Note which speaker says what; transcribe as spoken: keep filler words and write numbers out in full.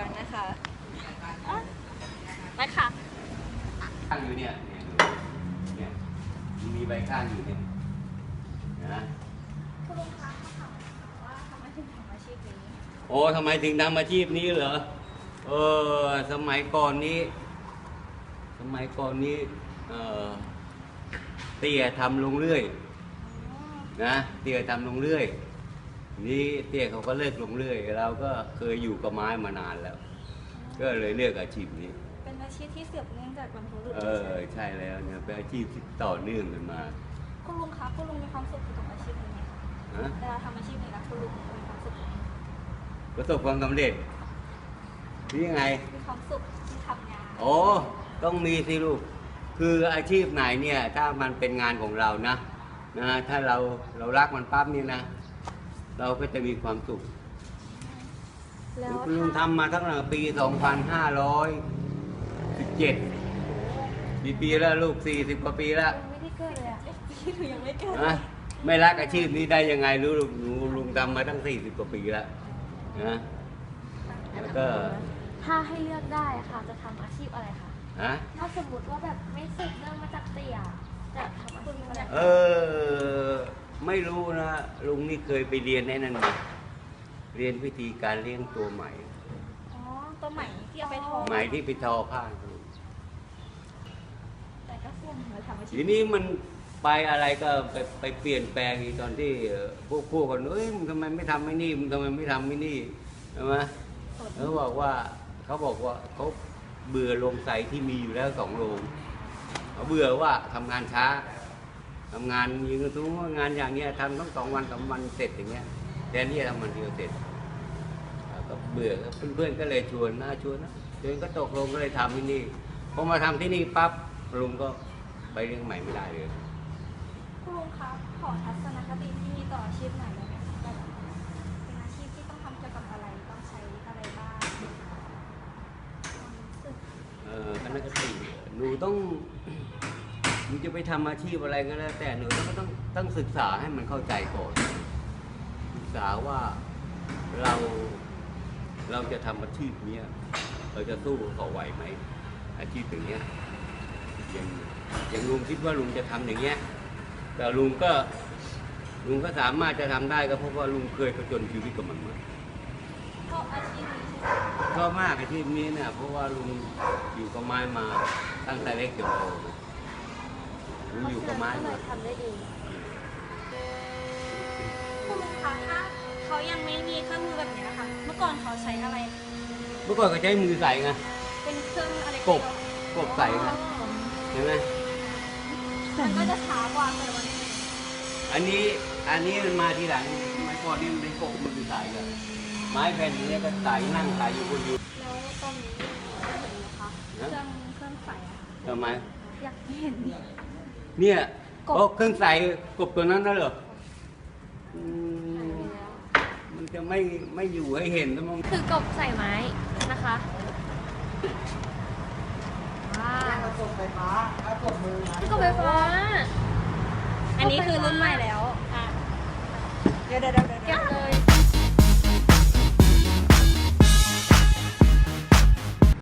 Speaker 1: อนนะคะไปค่ะ
Speaker 2: ข้างอยู่เนี่ยเนี่ยมีใบข้างอยู่เนี่ยนะ
Speaker 1: คุณลุงคะเขาถามว่าทำไมถึงทำอาชีพนี้
Speaker 2: โอ้ทำไมถึงทำอาชีพนี้เหรอเออสมัยก่อนนี้ สมัยก่อนนี้เออเตี้ยทำลงเรื่อยนะเตี้ยทำลงเรื่อยนี่เตี้ยเขาก็เลิกลงเรื่อยเราก็เคยอยู่กับไม้มานานแล้ว ก็เลยเลือกอาชีพนี้
Speaker 1: เป็นอาชีพที่เสืบเนื่องจากบรรพบุรุษ
Speaker 2: เออใช่แล้วเนี่ยเป็นอาชีพที่ต่อเนื่องกันมา
Speaker 1: คุณลุงคะคุณลุงมีความสุขกับอาชีพนี้ไหมคะเวลาทำอาชีพนี้แล้วคุณลุงมีความสุขไหม
Speaker 2: ประสบความสำเร็จนี่ยังไง
Speaker 1: มีความสุขที่ทำงาน
Speaker 2: โอ้ต้องมีสิลูกคืออาชีพไหนเนี่ยถ้ามันเป็นงานของเรานะนะถ้าเราเรารักมันปั๊บนี่นะเราก็จะมีความสุขคุณลุงทำมาตั้งแต่ปี สองพันห้าร้อยสิบเจ็ด กี่ปีแล้วลูก สี่สิบ กว่าปีแล้ว
Speaker 1: ไม่ได้เกิดเลยอ่ะพี่หนูยังไม่เกิด
Speaker 2: นะไม่รักอาชีพนี้ได้ยังไงรู้ลูกหนูลุงทำมาตั้ง สี่สิบ กว่าปีแล้วนะแล้วก็
Speaker 1: ถ้าให้เลือกได้ค่ะจะทำอาชีพอะไรคะ
Speaker 2: ฮะ
Speaker 1: ถ้าสมมติว่าแบบไม่สืบเนื่องมาจากเตี่ยจะทำอาชีพอะไร
Speaker 2: เออไม่รู้นะลุงนี่เคยไปเรียนในนั้นมาเรียนวิธีการเลี้ยงตัวใหม่
Speaker 1: อ๋อตัวใหม่ที่เอาไปทอ
Speaker 2: ใหม่ที่ไปทอผ้า
Speaker 1: แต่ก็ส่วนเราทำอาชีพ
Speaker 2: ทีนี้มันไปอะไรก็ไปไปเปลี่ยนแปลงตอนที่พวกพวกคนเอ้ยมึงทำไมไม่ทำไม่นี่มึงทำไมไม่ทำไม่นี่ใช่ไหมเขาบอกว่าเขาบอกว่าเขาเบื่อโรงใสที่มีอยู่แล้วสองโรงเขาเบื่อว่าทำงานช้าทำงานยิงกระตุ้งงานอย่างเงี้ยทำต้องสองวันสามวันเสร็จอย่างเงี้ยแทนที่จะทำวันเดียวเสร็จก็เบื่อเพื่อนๆก็เลยชวนนะชวนนะชวนก็ตกลงก็เลยทำที่นี่พอมาทำที่นี่ปั๊บลุงก็ไปเรื่องใหม่ไม่ได้เลย
Speaker 1: คุณลุงครับขอทัศนคติที่มีต่ออาชีพไหนได้ไหมคะแบบเป็นอาชีพที่ต้องทำเกี่ยวกับอะไรต้องใช้อะไรบ้าง
Speaker 2: เออทัศนคติหนูต้องหนูจะไปทำอาชีพอะไรก็แล้วแต่หนูต้องต้องต้องศึกษาให้มันเข้าใจก่อนศึกษาว่าเราเราจะทำอาชีพนี้เราจะสู้เขาไหวไหมอาชีพอย่างเงี้ยอย่างอย่างลุงคิดว่าลุงจะทำอย่างเงี้ยแต่ลุงก็ลุงก็สามารถจะทำได้ก็เพราะว่าลุงเคยผจญชีวิตกับมันมา
Speaker 1: ชอบอาชีพนี้
Speaker 2: ชอบมากอาชีพนี้เนี่ยเพราะว่าลุงอยู่กับไม้มาตั้งแต่เล็กจนโตลุงอยู่กับไม้มา
Speaker 1: ทำได้ดีคุณลุงคะถ้าเขายังไม่มีเครื่องมือแบบนี้ค่ะเมื่อก่อนเขาใช้อะไร
Speaker 2: เมื่อก่อนก็ใช้มือใส่ไง
Speaker 1: เป็นเครื่องอะไร
Speaker 2: กบกบใส่ไงเห็นไหม
Speaker 1: มันก็จะช้ากว่าแต่วันนี้
Speaker 2: อันนี้อันนี้มันมาทีหลังไม้ก่อนนี่มันเป็นกบมันใส่กันไม้แผ่นนี้ก็ใส่นั่งใส่อยู่บนยู
Speaker 1: แล้วตอนนี้เห็นไหมคะเครื่องเครื่องใส่
Speaker 2: ทำไม
Speaker 1: อยากเห็น
Speaker 2: เนี่ยโอ้เครื่องใส่กบตัวนั้นน่ะเหรอมันจะไม่ไม่อยู่ให้เห็นนะมัน
Speaker 1: คือกบใส่ไม้นะคะว้าวกบไฟฟ้ากบมือกบไฟฟ้าอันนี้คือรุ่นใหม่แล้วเดี๋ยวเดี๋ยวเดี๋ยว